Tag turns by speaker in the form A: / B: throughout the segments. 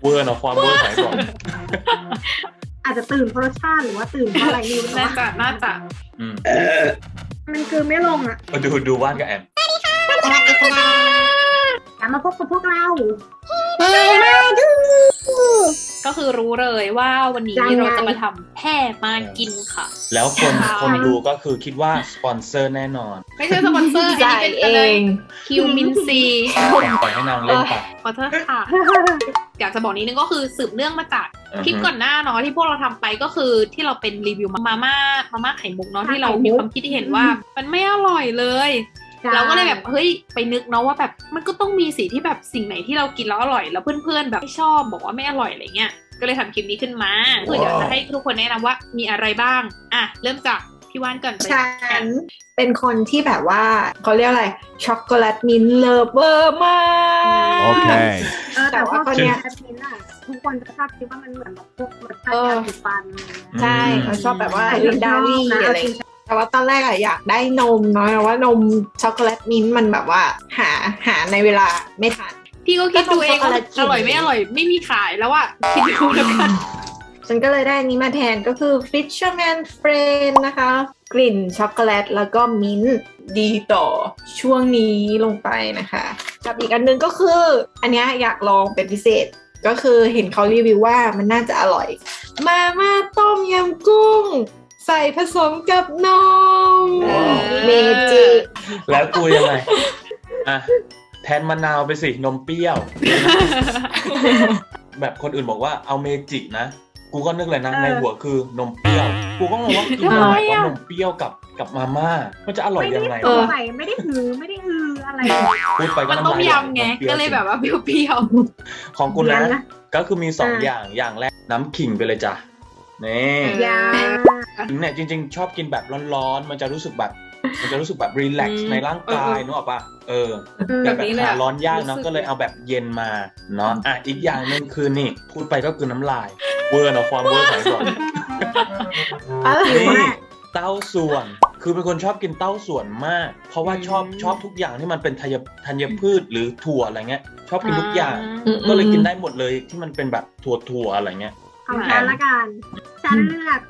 A: เวอร์เนาะความเวอร์สายก่อน
B: อาจจะตื่นเพราะรสชาติหรือว่าตื่นเพราะอะไรนี่
C: น่าจะ
B: มันคือไม่ลงอ่ะ
A: มาดูว่านกับแอม
B: กลับมาพบกับพวกเรา
C: ก็คือรู้เลยว่าวันนี้
B: ยังไง
C: เราจะมาทำแพร่มากินค่ะ
A: แล้วคนดูก็คือคิดว่าสปอนเซอร์แน่นอน
C: ไม่ใช่สปอนเซอร์อันนี้เป็นอะไรคิวมินซี
A: ปล่อยให้นางเล่นไป
C: ขอโทษค่ะ อยากจะบอกนิดนึงก็คือสืบเนื่องมาจากคลิปก่อนหน้าเนาะที่พวกเราทำไปก็คือที่เราเป็นรีวิวมาม่าไข่มุกเนาะที่เรามีความคิดที่เห็นว่ามันไม่อร่อยเลยเราก็เลยแบบเฮ้ยไปนึกเนาะว่าแบบมันก็ต้องมีสีที่แบบสิ่งไหนที่เรากินแล้วอร่อยแล้วเพื่อนๆแบบไม่ชอบบอกว่าไม่อร่อยอะไรเงี้ยก็เลยทำคลิปนี้ขึ้นมาคือเดี๋ยวจะให้ทุกคนแนะนำว่ามีอะไรบ้างอ่ะเริ่มจากพี่ว่านก่อนไป
D: ฉันเป็นคนที่แบบว่าเขาเรียกอะไรช็อกโกแลตมิ้นท์เลิฟเวอร์มาก
E: Okay.
B: แต่ว่า
D: ตอนเนี้ย
B: แอปนี้น่ะทุกคนจะชอบคิดว่ามันเหมือนแบบพวกรสชาติยาสีฟัน
D: ใช่เขาชอบแบบว่า
B: แต่
D: ลินดารี่อะไรแต่ว่าตอนแรกอะอยากได้นมเนาะแต่ว่านมช็อกโกแลตมิ้นท์มันแบบว่าหาในเวลาไม่ทัน
C: พี่ก็คิดดูเองว่าอร่อยไม่อร่อยไม่มีขายแล้วอะคิดดูแล้วกัน
D: ฉันก็เลยได้อันนี้มาแทนก็คือ Fisherman Friend นะคะ กลิ่นช็อกโกแลตแล้วก็มิ้นท์ดีต่อช่วงนี้ลงไปนะคะกับอีกอันนึงก็คืออันเนี้ยอยากลองเป็นพิเศษก็คือเห็นเขารีวิวว่ามันน่าจะอร่อยมาม่าต้มยำกุ้ง ใส่ผสมกับนมเมจิ
A: แล้วกูยังไงอ่ะแทนมะนาวไปสินมเปรี้ยว แบบคนอื่นบอกว่าเอาเมจินะกูก็นึกเลยนะในหัวคือนมเปรี้ยวกูก็งงว่ากินอะไรว่านมเปรี้ยวกับมาม่ามันจะอร่อยยังไง
B: ไม่ได้ใส่ไม่ได้หือไม่ได้อืออะไร
A: พูดไปก็
C: มัน
A: น้ำ
C: ต้ม
A: ลาย
C: ยำไงก็เลยแบบว่าเปรี้ยว
A: ของกูนะ
B: เดี๋ยวนะ
A: ก็คือมี2อย่างอย่างแรกน้ำขิงไปเลยจ้ะนี่
B: ยา
A: เนี่ยจริงๆ ชอบกินแบบร้อนๆมันจะรู้สึกแบบรีแลกซ์ในร่างกายนึกออกปะแบบหาร้อนยากเนาะก็เลยเอาแบบเย็นมาเนาะอ่ะอีกอย่างหนึงคือนี่พูดไปก็คือน้ำลายเวอร์เนาะความเวอร์สายก่อน
D: อะไร
A: นี่
D: วะ
A: เต้าส่วนคือเป็นคนชอบกินเต้าส่วนมาก เพราะว่าชอบทุกอย่างที่มันเป็นธัญพืชหรือถั่วอะไรเงี้ยชอบกินทุกอย่าง ก็เลยกินได้หมดเลยที่มันเป็นแบบถั่วอะไรเงี้ย
B: ของฉันละกันฉันเลือก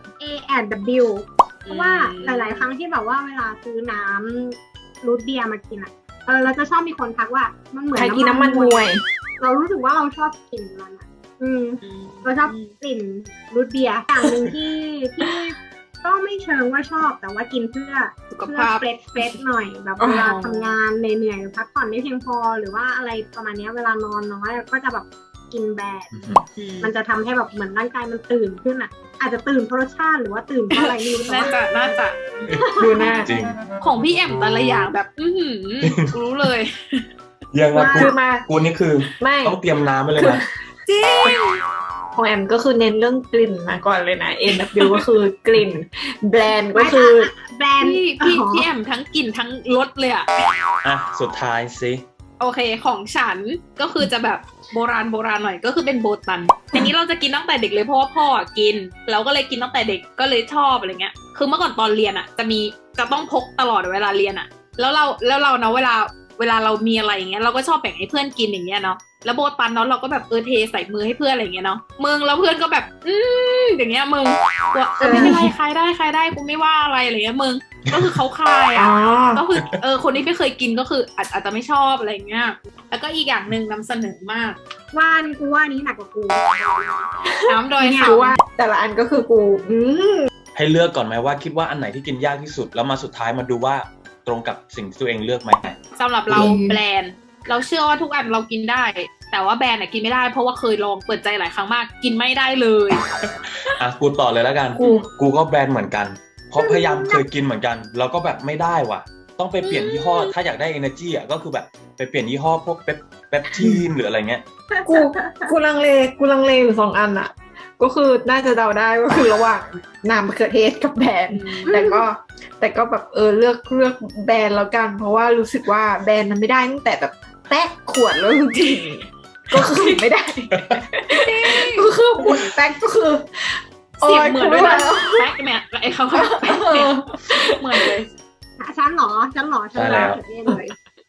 B: A&W เพราะว่าหลายๆครั้งที่แบบว่าเวลาซื้อน้ำรูทเบียร์มากินอ่ะเราจะชอบมีคนทักว่ามันเหมือน
D: ใครกินน้ำมันมวย
B: เรารู้สึกว่าเราชอบกลิ่นมันอ่ะเราชอบกลิ่นรูทเบียร์อย่างหนึ่งที่ก็ไม่เชิงว่าชอบแต่ว่ากินเพื่อ
C: สุขภาพ
B: เฟรชหน่อยแบบเวลาทำงานเหนื่อยๆพักผ่อนไม่เพียงพอหรือว่าอะไรประมาณนี้เวลานอนน้อยก็จะแบบกินแบดมันจะทำให้แบบเหมือนร่างกายมันตื่นขึ้นอ่ะ อาจจะตื่นเพราะรสชาติหรือว่าตื่นเพราะอะไรนี่รู้แต่
C: น่า
B: ว่า
C: จะ
D: ดูหน้า
A: จริง
C: ของพี่แอมแต่ละอย่างแบบรู้เลย
A: ยังไง
D: คือมา
A: กูนี่คือ
D: ไม่
A: ต้องเตรียมน้ำไปเลยนะ
C: จริง
D: ของแอมก็คือเน้นเรื่องกลิ่นมาก่อนเลยนะ A&W ก็คือกลิ่นแบรนด์ก็คือ
B: แบรนด์
C: พี่แอมทั้งกลิ่นทั้งรสเลยอะ
A: อ่ะสุดท้ายสิ
C: โอเคของฉันก็คือจะแบบโบราณหน่อยก็คือเป็นโบตันอันนี้เราจะกินตั้งแต่เด็กเลยเพราะว่าพ่อกินเราก็เลยกินตั้งแต่เด็กก็เลยชอบอะไรเงี้ยคือเมื่อก่อนตอนเรียนอะจะต้องพกตลอดเวลาเรียนอะแล้วเราเนาะเวลาเรามีอะไรอย่างเงี้ยเราก็ชอบแบ่งให้เพื่อนกินอย่างเงี้ยเนาะแล้วโบตันเนาะเราก็แบบเทใส่มือให้เพื่อนอะไรอย่างเงี้ยเนาะมึงแล้วเพื่อนก็แบบอย่างเงี้ยมึงว่าไม่เป็นไรใครได้กูไม่ว่าอะไรอะไรเงี้ยมึงก็คือเขาคายอ่ะก็คือคนที่ไม่เคยกินก็คืออาจจะไม่ชอบอะไรเงี้ยแล้วก็อีกอย่างหนึ่งนำเสนอมาก
B: ว่านี่กูว่านี้หนักกว่ากู
C: น้ำดอย
D: คือว่าแต่ละอันก็คือกู
A: ให้เลือกก่อนไหมว่าคิดว่าอันไหนที่กินยากที่สุดแล้วมาสุดท้ายมาดูว่าตรงกับสิ่งที่ตัวเองเลือกไหม
C: สำหรับเราแบรนด์เราเชื่อว่าทุกอันเรากินได้ แต่ว่าแบรนด์กินไม่ได้เพราะว่าเคยลองเปิดใจหลายครั้งมากกินไม่ได้เลย
A: อ่ะกูต่อเลยแล้วกันกูก็แบรนด์เหมือนกันเพราะพยายามเคยกินเหมือนกันแล้วก็แบบไม่ได้ว่ะต้องไปเปลี่ยนยี่ห้อถ้าอยากได้ energy อ่ะก็คือแบบไปเปลี่ยนยี่ห้อพวกเปปทีนหรืออะไรเงี้ย
D: กูลังเลอยู่2อันอะก็คือน่าจะเดาได้ก็คือระหว่างน้ำมะเขือเทศกับแบรนด์แต่ก็แบบเลือกแบรนด์แล้วกันเพราะว่ารู้สึกว่าแบรนด์มันไม่ได้ตั้งแต่แบบแป๊กขวดแล้วจริงๆก็คือไม่ได้ก็คือขวดแป๊กก็คือ
C: เสียงเหมือนด้วยนะแป๊กเนี่ยไอ้เขาแป๊กเนี่ยเหมือนเลย
B: ฉันเหรอฉันเลือกเลย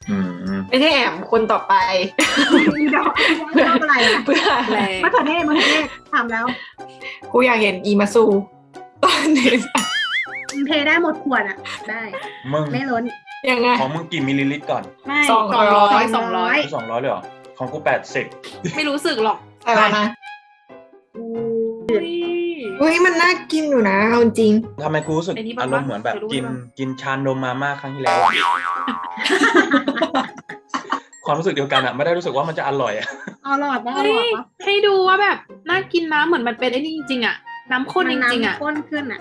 A: อืม
D: ไม่ใช่แอมคนต่อไป
B: อีดอกชอบอะไรอ่ะ
D: เพื่อ
C: แรง
B: มะเขือเทศทำแล้ว
D: กูอยากเห็นอีมาซูตอนนี้
B: เทได้หมดขวดอ่ะ ได้
A: มึง
B: ไม่ล้น
D: ยังไง
A: ของมึงกี่มิลลิลิตรก่อน
B: ไม่
C: 200
A: 200เลยเหรอของกู80
C: ไม่รู้สึกหรอก
D: ใส่แล้วนะ
C: อุ้ย
D: อุ้ยมันน่ากินอยู่นะเอาจริง
A: ทำไมกูรู้สึก
C: ไอ้นี่บ้าง
A: อารมณ์เหมือนแบบ
C: เคยรู้
A: กิน
C: บ้าง
A: กินชานมมาม่าครั้งที่แล้วอะความรู้สึกเดียวกันอะไม่ได้รู้สึกว่ามันจะอร่อยอะ
B: อร่อยปะอ
C: เฮ้
B: ร่อย
C: ย
B: ปะ
C: ให้ดูว่าแบบน่ากินนะเหมือนมันเป็นไอ้นี่จริงๆอะน้ำข้นจริงๆอะ
B: น้ำข้นขึ้นอ่ะ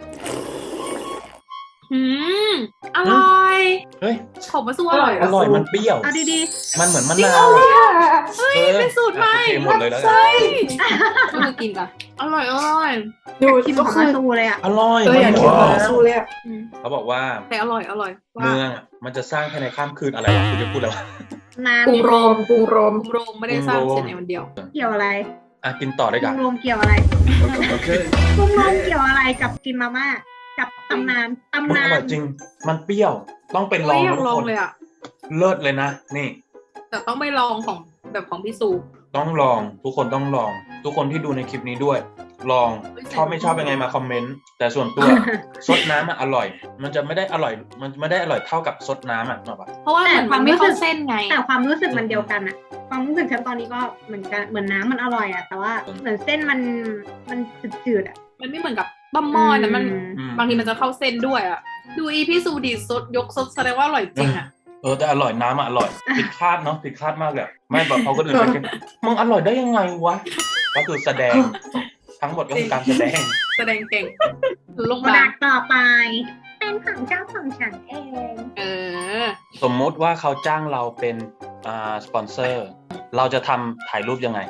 C: อืมอร่อย
A: เฮ้ย
C: ผมมาสู้อร่อย
A: อร่อยมันเปรี้ยว
B: เอาดี
A: มันเหมือนมะ
C: จริง
A: นาว
C: เหรอ
A: อะ
C: เฮ้ยเป็นสูตรใหม่
A: โอเคหมดเลยแล้วกัน
C: ใช่ก็มากินกันอร่อยอร่อย
D: ดู
B: ๆกิน
D: ก็
B: ของ
D: คือ
B: มาตูเลยอ่ะ
A: อร่อย
D: อยาก
A: มัน
D: กิน
A: เหมือน
D: มาซูเลยอะ
C: อืม
A: เขาบอกว่า
C: แต่อร่อยว่า
A: เมืองอะมันจะสร้างภายในข้ามคืนอะไรวะคุณจะพูดอะไรวะ
B: นาน
D: กรุงโรมกรุงโรม
C: กรุงโรมไม่ได้สร้างเสร็จในวันเดียว
B: เกี่ยวอะไร
A: อ่ะกินต่อได้
B: กรุ
A: กัน
B: งโรมเกี่ยวอะไร
A: โอเค
B: กรุงโรมเกี่ยวอะไรกับกินมาม่ากับตำนาน
A: มัน
B: ตำนา
A: อร่อน ยจริง มันเปรี้ยว ต้องเป็นลอง
C: ไม่อยาก
A: ทุก
C: ลอง
A: คน
C: เลยอ่ะ
A: เลิศเลยนะ นี่
C: แต่ต้องไปลองของแบบของพี่ซู
A: ต้องลอง ทุกคนต้องลอง ทุกคนที่ดูในคลิปนี้ด้วย ลอง ชอบไม่ชอบยังไงมาคอมเมนต์ แต่ส่วนตัว ซดน้ำอะอร่อย มันจะไม่ได้อร่อย มันไม่ได้อร่อยเท่ากับซดน้ำอะนึกออกปะ
C: เพราะว่าเหมือนมันไม่เข้าเส้นไง
B: แต่ความรู้สึกมันเดียวกันอะความรู้สึกฉันตอนนี้ก็เหมือนกันเหมือนน้ำมันอร่อยอะแต่ว่าเหมือนเส้นมันจืดๆอะ
C: มันไม่เหมือนกับบัมมอนนะมัน
A: อืม
C: บางทีมันจะเข้าเส้นด้วยอ่ะ ดูอีพี่ซูดีสดยกสดแสดงว่าอร่อยจริงอ่ะ
A: แต่อร่อยน้ำอะอร่อย ผิดคาดเนาะ ผิดคาดมากเลยอะไม่แบบเขาก็อื่นไปกินมึงอร่อยได้ยังไงวะ ก็คือแสดง ทั้งหมดก็คือการแสดง
C: แสดงเก่งลง
B: โปร
C: มา
B: ดักต์ต่อไป เป็นของเจ้าของฉันเอง
C: เออ
A: สมมุติว่าเขาจ้างเราเป็นสปอนเซอร์ เราจะทำถ่ายรูปยังไง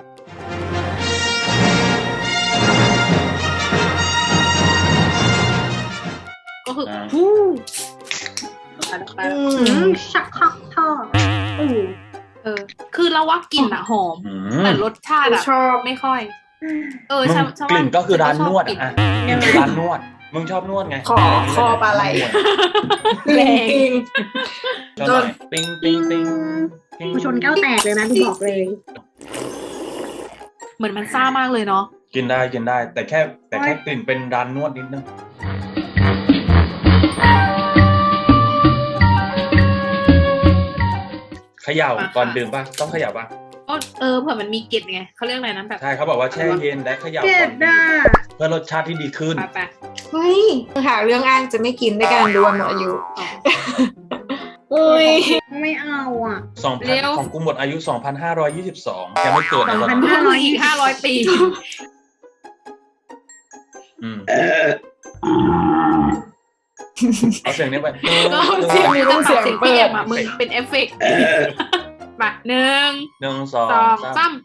C: ก็คือ
A: อ่า
C: ฮู้
B: ชักคักท่ออู้
C: คือเราว่ากลิ่นอะหอม
A: อืม
C: แต่รสชาติอะ
D: ชอบ
C: ไม่ค่อย
A: มึง
C: ใช่
A: กลิ่นก็คือร้านนวด
C: กลิ่
A: อะกลิ่นคือร้านนวด มึงชอบนวดไง
D: คอปลาไหล แรงจริง
A: ชอบหน่อยปิ้งปิ้งปิ้งปิ้ง
B: กูชนแก้วแตกเลยนะกูบอกเลย
C: เหมือนมันซ่ามากเลยเนาะ
A: กินได้กินได้ แต่แค่กลิ่นเป็นร้านนวดนิดนึงเขย่าก่อนดื่มป่ะต้องเขย่าป่ะ
C: เผื่อมันมีกลิ่นไงเขาเรียกอะไรนะแบบ
A: ใช่เขาบอกว่าแช่เย็นและเขย่า
B: เจ็
A: ก่
B: ด
A: อน
B: อ่ะ
A: เพื่อรสชาติที่ดีขึ้น
C: ไป
D: เฮ้ยหาเรื่องอ้างจะไม่กินด้วยการดวลหมดอายุอุ้ย
B: ไม่เอาอ่ะ
A: 2,000ของกูหมดอายุ 2,522ยังไม่เกิดนะตอนนั้น
C: ก็คืออีก500 ปี
A: อืมเอาเสียงนี้ไป
C: ก็เสียงมือจะตัดเสียงเปลี่ยนมามึงเป็นเอฟเฟกต์มาหนึ่ง
A: หนึ่งสอง
C: สอง
A: สาม
C: สาม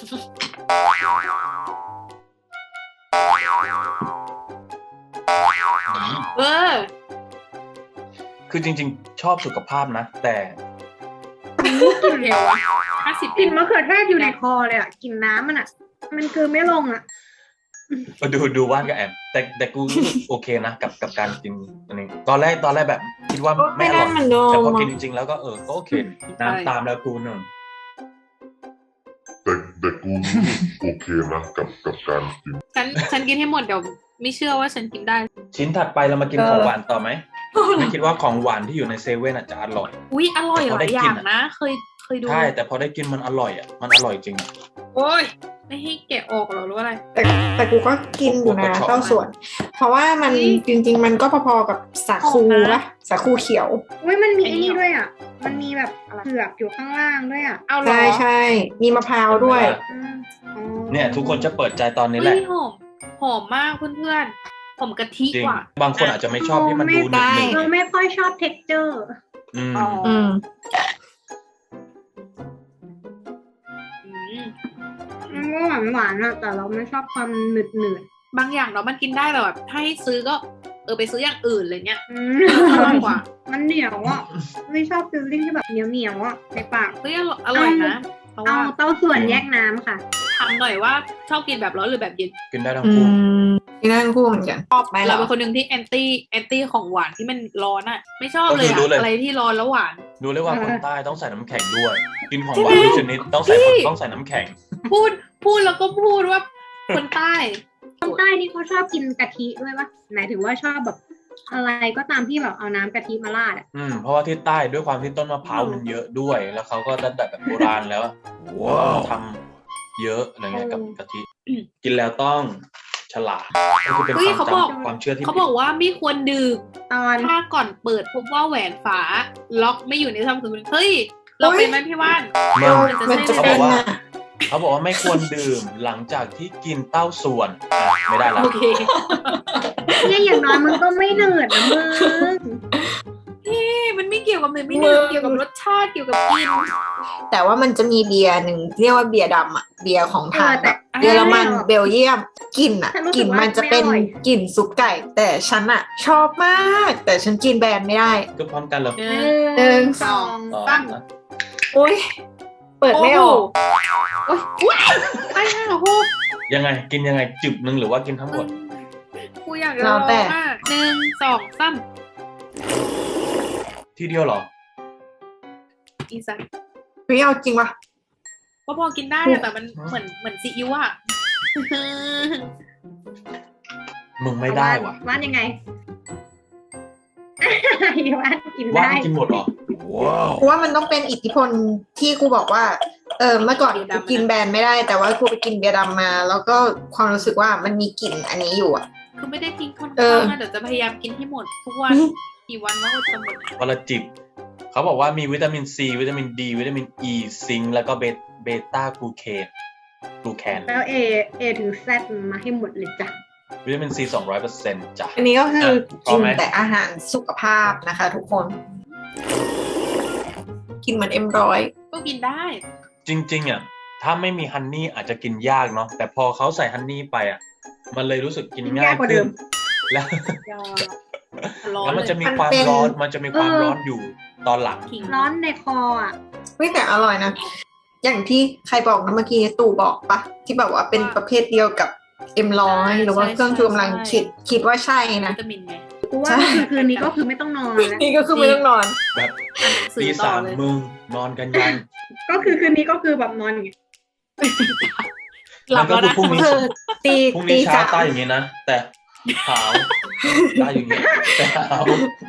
C: เออ
A: คือจริงๆ ชอบสุขภาพนะ แต่
C: กลิ่นเร็วอะ50
B: กลิ่นมะเขือเทศอยู่ในคอเลยอ่ะกลิ่นน้ำมันอ่ะ มันคือไม่ลงอ่ะ
A: ดูว่านกับแอมแต่กูรู้สึกโอเคนะกับการกินอันนี้ตอนแรกแบบคิดว่าไม่อร่อย
D: ไม่ได้มันโดน
A: แต่พอกินจริงๆแล้วก็ก็โอเคน้ำตามแล้วกูหนึ่ง
E: แต่กูรู้สึกโอเคนะกับการกิน
C: ฉันกินให้หมดเดี๋ยวไม่เชื่อว่าฉันกินได้
A: ชิ้นถัดไปเรามากินของหวานต่อไหมไม่คิดว่าของหวานที่อยู่ในเซเว่นจะอร่อย
C: อุ๊ยอร่อยหลายอย่างนะ เคยดู
A: ใช่แต่พอได้กินมันอร่อยมันอร่อยจริง
C: โอ้ยไม่ให้แกะออกหรอหรือว่าอะไร
D: แต่กูก็กินอยู่นะเต้าส่วน เพราะว่ามันจริงๆ มันก็พอๆกับสาคูปะสาคูเขียว
B: อุ้ยมันมีไอ้นี่ด้วยอ่ะ มันมีแบบเผือกอยู่ข้างล่างด้วยอ่ะ
C: เอาเหรอ
D: ใช่ใช่มีมะพร้าวด้วย
B: อืมอ๋อ
A: เนี่ยทุกคนจะเปิดใจตอนนี้แห
C: เฮ้
A: ละ
C: ยหอมมากเพื่อนๆหอมกะทิ
A: จริง
C: กว่า
A: บางคนอาจจะไม่ชอบที่มันดูหนึบ
B: เราไม่ค่อยชอบ texture
A: ๆอืม
C: อ๋อ
D: อืม
B: มันก็หวานๆอ่ะแต่เราไม่ชอบความหนืด
C: บางอย่างเนาะมันกินได้แต่แบบถ้าให้ซื้อก็ไปซื้ออย่างอื่นอะไรเงี้ย
B: ๆ
C: อร่อยกว่า
B: มันเหนียวอ่ะ ไม่ชอบฟิลลิ่งที่แบบเหนียวๆอ่ะในปาก
C: เฮ้ยอร่อยนะเพราะ
B: เอา
C: ว่า
B: เต้าส่วนแยกน้ำค่ะ
C: ทำหน่อยว่าชอบกินแบบร้อนหรือแบบเย็น
A: กินได้ทั้ง
D: อื
A: คู่
D: มที่นั่นคู่เหมือนกันชอบไหม
C: เรา
D: เรา
C: เป็นคนหนึ่งที่แอนตี้ของหวานที่มันร้อนอ่ะ ไม่ชอบเลยอะอะไรที่ร้อนแล้วหวาน
A: ดูเลยว่าคนใต้ต้องใส่น้ำแข็งด้วย กินของหวานทุกชนิดต้องใส่น้ำแข็ง
C: พูดแล้วก็พูดว่าคนใต้
B: คนใต้นี่เขาชอบกินกะทิด้วยปะหมายถึงว่าชอบแบบอะไรก็ตามที่แบบเอาน้ำกะทิมาราดอ่ะ
A: เพราะว่าที่ใต้ด้วยความที่ต้นมะพร้าวมันเยอะด้วย แล้วเขาก็ตั้งแต่แบบโบราณแล้วว้าวทำเยอะอะไรเงี้ยกับกะทิกินแล้วต้องฉลาดก็คือเป็น
C: เฮ้ย
A: ความ
C: เขาบอก
A: จำความเชื่อที่
C: เขาบอกว่าไม่ควรดื่ม
B: ตอน
C: ถ้าก่อนเปิดพบว่าแหวนฝาล็อกไม่อยู่ในช่องคือเฮ้ยเราเป็นไหมพี่ว่าน
A: มัน
D: มันจะ
A: เขา
D: เป็
A: บอน กว่า
D: อะ
A: เขาบอกว่าไม่ควรดื่มหลังจากที่กินเต้าส่วนไม่ได้แล้ว
C: โอเค
B: เนี่ยอย่างน้อยมันก็ไม่เหนื่อยนะมึง
C: มันไม่เกี่ยวกับเนื้อไม่ดื่มเกี่ยวกับรสชาติเกี่ยวกับกิน
D: แต่ว่ามันจะมีเบียร์หนึ่งเรียกว่าเบียร์ดำอ่ะเบียร์ของทางแบบ
C: แต่
D: เยอรมันเบลเยียมกลิ่นอ่ะ
B: ฉันรู้
D: ก
B: สึ
D: ลิ่
B: ก
D: น
B: ว่า
D: มันจะเป็น
B: ไม่อร่อย
D: กลิ่นซุปไก่ แต่ฉันอ่ะ ชอบมาก แต่ฉันกินแบรนด์ไม่ได้
A: ก็พร้อมกันเลย
D: หนึ่ง
B: สอง
A: ต่อ
B: สาม
A: นะ
D: อุ้ยเปิดไม่ออก
C: โอ้โหไอ้ห่าโห
A: ยังไงกินยังไงจึบหนึ่งหรือว่ากินทั้งหมด
C: กูอยากจะลองมาก1 2 3
A: ทีเดียวเหรอ
C: อีสัน
D: ไม่เอาจริงปะ
C: ก็พอกินได้อะแต่มันเหมือนซีอิ๊วอะ
A: มึงไม่ได้ว่ะ
B: ว่านยังไง ว่านกิน
A: ว่า
B: ได้
A: กินหมดเหรอว้าว
D: กูว่ามันต้องเป็นอิทธิพลที่กูบอกว่าเมื่อก่อนกูกินแบรนด์ไม่ได้ แต่ว่ากูไปกินเบียร์ดำมา แล้วก็ความรู้สึกว่ามันมีกลิ่นอันนี้อยู่อ่ะ
C: คือไม่ได้ทิ้งค่อน
D: เอ
C: ข้า
D: อ
C: งนะเดี๋ยวจะพยายามกินให้หมดทุกวันกี่วันว่าจะหมด
A: วันละจิบเขาบอกว่ามีวิตามินซีวิตามินดีวิตามินอีซิงค์แล้วก็เบต้ากลูเคน
B: แล้วเอถึงแซดมาให้หมดเลยจ้ะ
A: วิตามินซี200%จ้ะ
D: อันนี้ก็คือ
A: พอ
D: กิน
A: ไหม
D: แต่อาหารสุขภาพนะคะ ทุกคน กินเหมือนM100
C: ก็กินได้
A: จริงๆอ่ะถ้าไม่มีฮันนี่อาจจะกินยากเนาะแต่พอเขาใส่ฮันนี่ไปอ่ะมันเลยรู้สึกกินง่ายขึ้นแล้ว
C: ยอร้อน
A: แล้วมัน
C: เล
A: จะ
C: ย
A: มีความร้อนมันจะมีความร้อนอยู่ตอนหลัง
C: ขิง
B: ร้อนในคออ่ะ
D: ไม่แต่อร่อยนะ อย่างที่ใครบอกนะเมื่อกี้ตู่บอกปะที่แบบว่าเป็นประเภทเดียวกับM100หรือว่าเครื่องชูกำลังคิดว่าใช่นะ
C: วิตามินไง
B: กูว่าคืนนี้ก็คือไม่ต้องนอนแล้ว
D: นี่ก็คือไม่ต้องนอน
A: แบบ
C: อ่านหนังสือ
A: ตี
C: ต่อ
A: สาม
C: เลย
A: มึงนอนกันยัง
B: ก็คือคืนนี้ก็คือแบบนอนอย่างเงี้ย
C: หลับ
A: ก็
C: แล้ว
A: คือ
C: นะ
A: พรุ่งนี้
D: คือตี
A: พรุ่ง
D: ตี
A: นี้เช้า
D: สาม
A: ตายอย่างนี้นะแต่หาวตายอย่างนี้แต่หาว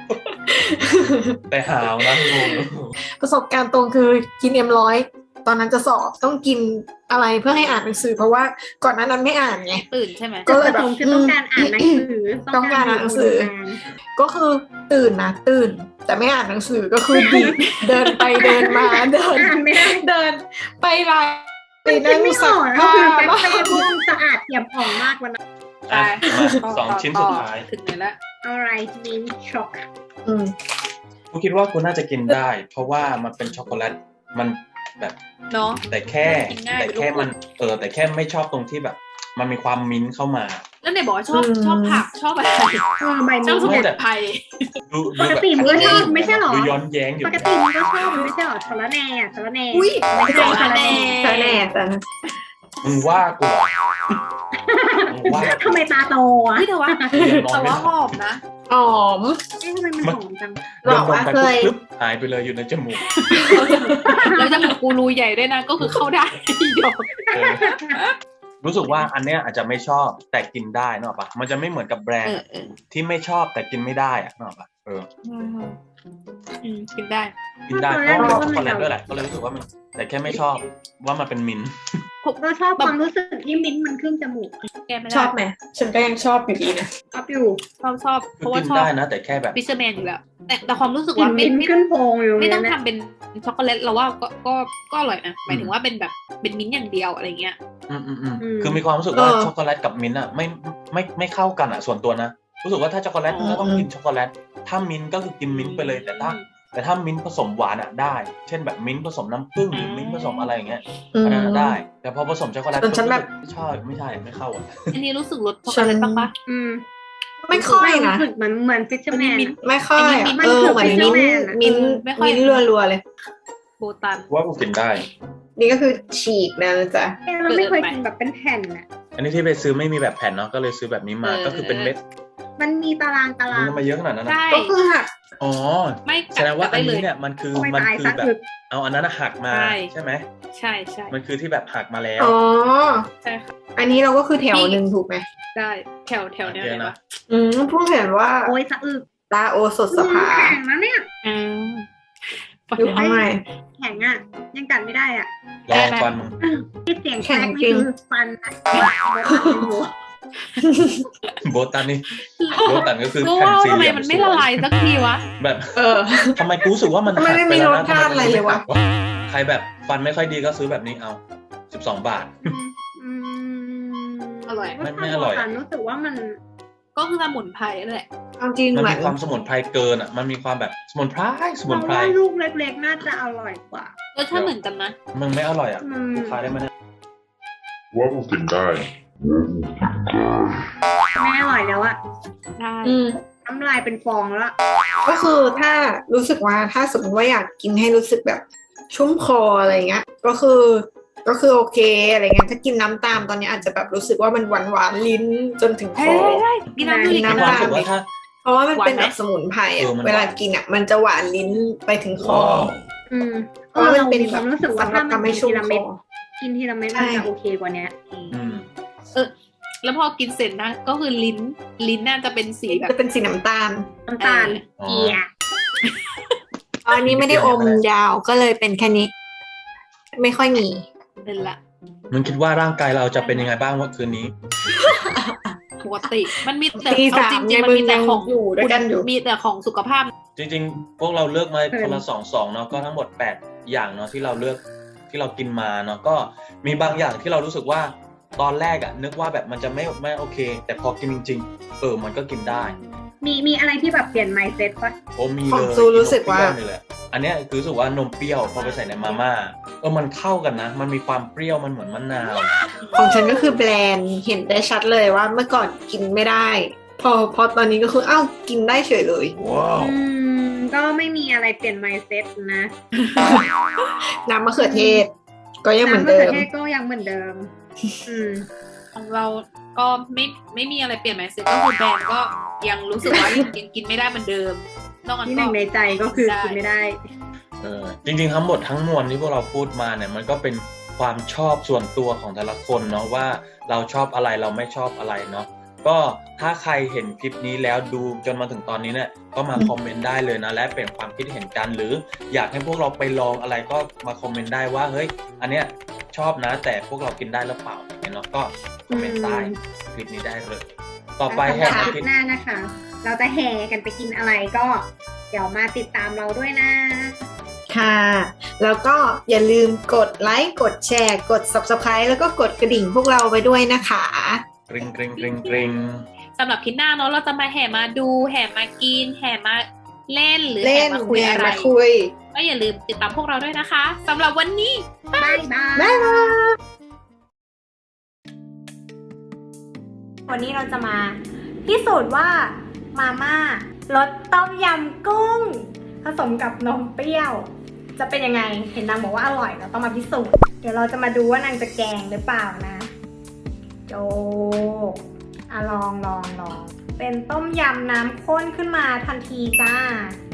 A: นะงง
D: ประสบการณ์ตรงคือกินM100ตอนนั้นจะสอบต้องกินอะไรเพื่อให้อ่านหนังสือ เพราะว่าก่อนหน้านั้นไม่อ่านไง
C: ตื่นใช่ไหม
D: ก็เลยแบบ
B: คือต้องการอ่านหนังสือ
D: ต้องการอ่านหนังสือ ก็คือตื่นนะตื่น แต่ไม่อ่านหนังสือก็คือดีด เดินไปเดินมาเดิน
B: อ่านไม่ได้
D: เดินไปไลน์ไป
B: มันคิ
D: นั่
B: ด
D: ง
B: ไม่อ
D: สั
B: อก กก็
D: ผ้า
B: คือแบ็ค
D: บ้า
B: เตอร์ร่วงสะอาดเอี่ยมอ่องมากวันนั้น
A: อ่ะ
C: ไป
A: มาสองชิ้นสุดท้าย
C: ถึงไหนละ
B: อะไรมินช็อก
D: อืม
A: กูคิดว่ากูน่าจะกินได้ เพราะว่ามันเป็นช็อกโกแลตมันแบบ
C: เนาะ
A: แต่แค่
C: กินง่าย
A: แต่แค่
C: เป็นลูก
A: มันแต่แค่ไม่ชอบตรงที่แบบ มันมีความมิ้นท์เข้ามา
C: แล้วไหนบอกว่าชอบผักชอบอะไร
B: ใบ
C: ชอบส
B: มิ้น
C: มุ
B: ท์
C: นไพร
A: ดู
B: ปก
A: แบบ
B: ติมันก็ชอบไม่ใช่หรอ
A: ดูย้อนแย้งอยู่
B: ปกติมันก็ชอบมันไม่ใช่หรอสารแหน่สารแหน่
D: อุ้ย
B: ไม่ใช่สารแหน่
D: แต่แน่แต่
A: มึงว่ากูเหรอมึงว่า
B: ทำไมตาโตอ่ะ
C: เฮ้ยแต่ว่า
A: เรียนนอน
C: แต่
A: ไม่
C: ว่า
A: ห
C: ห
A: ลับ
C: อมนะ
D: หอม
B: เอ๊ะทำไมมันหอมจัง
A: เดินลงไป
D: บอกว่าเคย
A: ปุ๊บหายไปเลยอยู่ในจมูก
C: แล้วจมูกกูรูใหญ่ด้วยนะก็คือเข้าได้เดี๋ยว
A: เออรู้สึกว่าอันเนี้ยอาจจะไม่ชอบแต่กินได้นึกออกปะมันจะไม่เหมือนกับแบรนด์ที่ไม่ชอบแต่กินไม่ได้อะนึกออกปะ
C: กินได้
A: กินได้เพราะว่าช็อกโกแลตด้วยแหละก็เลยรู้สึกว่ามันแต่แค่ไม่ชอบว่ามันเป็นมิ้นท์
B: ผมก็ชอบความรู้สึกที่มิ้นท์มันขึ้นจมูก
C: แกไม่
D: ช
C: ได้
D: อบไหมฉันก็ยังชอบอยู่ดีนะ
B: ชอบอยู่
C: ชอบเพ
A: คือ
C: ราะว่า
A: กิน
C: ชอบ
A: ได้นะแต่แค่แบบ
C: ฟิชเชอร์แมนอยู่แล้วแต่ความรู้สึก
B: กลิ่
C: ว่าน
B: มิ้นท์ขึ้นโพงอยู่
C: ไม่ต้อง
B: เนี่ย
C: ทำเป็นช็อกโกแลตเราว่าก็อร่อยนะหมายถึงว่าเป็นแบบเป็นมิ้นท์อย่างเดียวอะไรเงี้ย
A: คือมีความรู้สึกว่าช็อกโกแลตกับมิ้นท์อ่ะไม่เข้ากันอ่ะส่วนตัวนะรู้สึกว่าถ้าช็อกโกแลตก็ต้องกินช็อกโกแลตถ้ามิ้นท์ก็คือกินมิ้นท์ไปเลยแต่ถ้ามิ้นท์ผสมหวานอ่ะได้ เช่นแบบมิ้นท์ผสมน้ำผึ้งหรือมิ้นท์ผสมอะไรอย่างเงี้ยอันนั้นได้ แต่พอผสมช็อกโกแลต
D: ส่วนฉันแบบ
A: ไม่ชอบไม่ใช่ไม่เข้าอ่ะ
C: อันนี้รู้สึกรสช็อกโกแลตบ้างปะ
D: ไม่ค่อยนะ
B: รู้สึกเหมือนฟิชเชอร์แมน
D: ไม่ค่อยอะ
B: มันคือ
D: เหมือน
B: Fisherman
D: มิ้น
C: ไม่ค่อย
D: รัวๆเลย
C: โบตัน
A: ว่ากูกินได้
D: นี่ก็คือฉีกนะจ๊ะ
B: เราไม่เคยกินแบบเป็นแผ่นอ่ะ
A: อันนี้ที่ไปซื้อไม่มีแบบแผ่นเนาะก็เลยซื้อแบบนี้มาก็คือเป็นเม็ด
B: มันมีตาราง
A: มันมาเยอะขนาดนั้นนะ
C: ใช่
D: ก็คือหัก
A: อ๋อ
C: ไม่
A: แสดงว่าอัน
C: เล
A: นี้
C: ย
A: เนี่ยมันคือ
B: โอ้ย
A: มัน
B: ตาย
A: คือ
B: ซะ
A: แบบ
B: อึด
A: เอาอันนั้นหักมา
C: ใช่
A: ใช่ไหม
C: ใช่ใช่
A: มันคือที่แบบหักมาแล้ว
D: อ๋อ
C: ใช่ค่ะ
D: อันนี้เราก็คือแถวหนึ่งถูกไหม
C: ได้แถวเนี้ย
A: โอเค
C: เลย
A: นะ
C: ปะ
D: เพิ่งเห็นว่า
B: โอ้ยสะอึก
D: ตาโอสถสภา
B: แข็งนะเนี่ย
C: อ่า
D: อยู่ข้างใน
B: แข็งอ่ะ ยังกัดไม่ได้อ่ะ
A: ลองฟัน
B: ที่เสียงแครก
D: แข็งจริ
B: นี่
D: ง
B: คือฟันอะ
A: โบตันนี่โบตันก็คือ
C: ก็
A: แผ่น
C: ว่า
A: สี่
C: ทำ
A: เห
C: ไม
A: ลี่ยม
C: มันไม่ละลายสักทีวะ
A: แบบ
D: เออ
A: ทำไมกูรู้สึกว่ามัน
D: ทำไม
A: หัก
D: ไม่
A: ไป
D: มี
A: แล้ว
D: ร
A: นะ
D: สชาติอะไรเลยวะ
A: ใครแบบฟันไม่ค่อยดีก็ซื้อแบบนี้เอา12 บาท
B: อืม
C: อร่อย
A: ไม่อร่อยอะ
B: รู้สึกว่ามัน
C: ก็คือสมุนไพรนั่นแหละ
D: เอาจริง
A: มัน
D: เหมือ
A: มี
D: น
A: ความสมุนไพรเกินอ่ะมันมีความแบบสมุนไพร
B: เราว่าลูกเล็กๆน่าจะอร่อยกว่า
C: รสชาติเหมือนกันนะ
A: มึงไม่อร่อยอ่ะ
B: อืม
A: กูขายได้ไหมเนี่ย
E: ว่ากูกินได้
B: ไม่อร่อยแล้วอะ
C: ใช่
B: น้ำลายเป็นฟองแล้วอะ
D: ก็คือถ้ารู้สึกว่าถ้าสมมติว่าอยากกินให้รู้สึกแบบชุ่มคออะไรเงี้ย ก็คือโอเคอะไรเงี้ยถ้ากินน้ำตามตอนนี้อาจจะแบบรู้สึกว่ามันหวานลิ้นจนถึงค
C: ใช่
D: อ
C: ใช่กินน้ำดูดิ
D: กิน
A: มี
D: น้ำ
A: ความรู้สึกว่าถ้า
D: เพราะว่ามันเป็น
C: หวานไหม
D: แบบสมุนไพร
A: เอ
D: อะ
A: อมันหวาน
D: เวลากินอ่ะมันจะหวานลิ้นไปถึงคอ
B: อืม
D: เพราะว่ามันเป็น
B: มีความรู้สึกว่า
D: สำหรั
B: ถ้า
D: บ
B: มัน
D: ทำให้
B: กิน
D: ชุ่
B: ที
D: ม
B: ละ
D: ค
B: เม็ด
D: อ
B: กินทีละเม็ด
D: ใช่
B: มันจะโอเคกว่านี้
A: อืม
C: แล้วพอกินเสร็จนะ ก็คือลิ้นน่าจะเป็นสีแบบ
D: จะเป็นสีน้ำตาล
B: น้ำตาล
A: อ๋อ
B: เกียร์
D: อันนี้ไม่ได้อมยาวก็เลยเป็นแค่นี้ ไม่ค่อยมี
C: นั่นแหละ
A: มึงคิดว่าร่างกายเราจะเป็นยังไงบ้างวันคืนนี้
C: ปกติ มันมีแต่
D: ตี
C: เอา
D: สาม
C: จริง
D: ไง
C: ๆมันมีแต่
D: มึงยัง
C: ของ
D: อยู่ด้วยกันอยู่
C: มีแต่ของสุขภาพ
A: จริงๆ พวกเราเลือกมาคนละ2เนาะก็ทั้งหมด8อย่างเนาะที่เราเลือกที่เรากินมาเนาะก็มีบางอย่างที่เรารู้สึกว่าตอนแรกอะนึกว่าแบบมันจะไม่โอเค แต่พอกินจริงๆมันก็กินได้
B: มีอะไรที่แบบเปลี่ยน mindset ปะ
A: โอ้มี
D: ข
A: เล
D: อง
A: ย
D: ซูรู้สึกว่า
A: นมเปรี้ยนี่แหละอันเนี้ยคือรู้สึกว่านมเปรี้ยวพอไปใส่ในมาม่ามันเข้ากันนะ มันมีความเปรี้ยวมันเหมือนมะนาว
D: ของฉันก็คือแบรนด์เห็นได้ชัดเลยว่าเมื่อก่อนกินไม่ได้ พอตอนนี้ก็คือกินได้เฉยเลย
A: ว้าว
B: ก็ไม่มีอะไรเปลี่ยน mindset นะ
D: น้ำมะเขือเทศ ก็ยังเหมือน
B: น้ำมะ
D: เดิ
B: เขือ
D: ม
B: เทศก็ยังเหมือนเดิม อืม
C: ของเราก็ไม่มีอะไรเปลี่ยนแมสเซจก็คือแบรนด์ก็ยังรู้สึกว่ายังกินไม่ได้เหมือนเดิมนอกจาก
B: ที่ห
C: ก็
B: นึ่งในใจก็คือกินไม่ได้
A: จริงๆทั้งหมดทั้งมวลที่พวกเราพูดมาเนี่ยมันก็เป็นความชอบส่วนตัวของแต่ละคนเนาะว่าเราชอบอะไรเราไม่ชอบอะไรเนาะก็ถ้าใครเห็นคลิปนี้แล้วดูจนมาถึงตอนนี้เนี่ยก็มาคอมเมนต์ได้เลยนะและเป็นความคิดเห็นกันหรืออยากให้พวกเราไปลองอะไรก็มาคอมเมนต์ได้ว่าเฮ้ยอันเนี้ยชอบนะแต่พวกเรากินได้หรือเปล่าอย่างเงี้ยเนาะก็คอมเมนต์ใต้คลิปนี้ได้เลยต่อไป
B: แล้ว
A: แห่
B: สำหรับ
A: อาทิตย์
B: หน้านะคะ เราจะแห่กันไปกินอะไรก็เดี๋ยวมาติดตามเราด้วยนะ
D: ค่ะ แล้วก็อย่าลืมกดไลค์กดแชร์กด Subscribe แล้วก็กดกระดิ่งพวกเราไปด้วยนะคะ
A: กริ๊งกริ๊งกริ๊งกริ๊ง
C: สำหรับคลิปหน้าเนาะเราจะมาแห่มาดูแห่มากินแห่มาเล่นหรือ
D: เล่
C: แห่
D: น
C: มาคุย
D: แย่
C: อะไร
D: มาคุย
C: ก็อย่าลืมติดตามพวกเราด้วยนะคะสำหรับวันนี้
B: บ๊ายบาย
D: บ๊ายบาย
B: วันนี้เราจะมาพิสูจน์ว่ามาม่ารสต้มยำกุ้ง ผสมกับนมเปรี้ยว จะเป็นยังไง เห็นนางบอกว่าอร่อยเราต้องมาพิสูจน์ เดี๋ยวเราจะมาดูว่านางจะแกงหรือเปล่านะโจลองเป็นต้มยำน้ำข้นขึ้นมาทันทีจ้า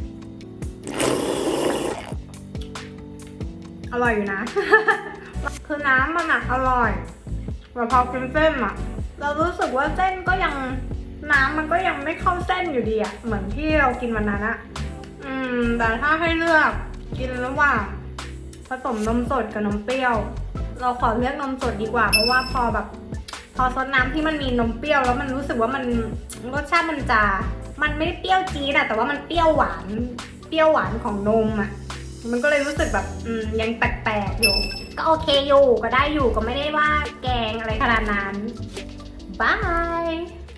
B: อร่อยอยู่นะ คือน้ำมันอะอร่อยแต่พอกินเส้นอะเรารู้สึกว่าเส้นก็ยังน้ำมันก็ยังไม่เข้าเส้นอยู่ดีอะเหมือนที่เรากินวันนั้นอะแต่ถ้าให้เลือกกินระหว่างผสมนมสดกับนมเปรี้ยว เราขอเลือกนมสดดีกว่า เพราะว่าพอซดน้ำที่มันมีนมเปรี้ยวแล้วมันรู้สึกว่ามันรสชาติมันไม่ได้เปรี้ยวจี๊ดอะแต่ว่ามันเปรี้ยวหวานของนมอะมันก็เลยรู้สึกแบบยังแปลกๆอยู่ ก็โอเคอยู่ก็ได้อยู่ก็ไม่ได้ว่าแกงอะไรขนาดนั้นบาย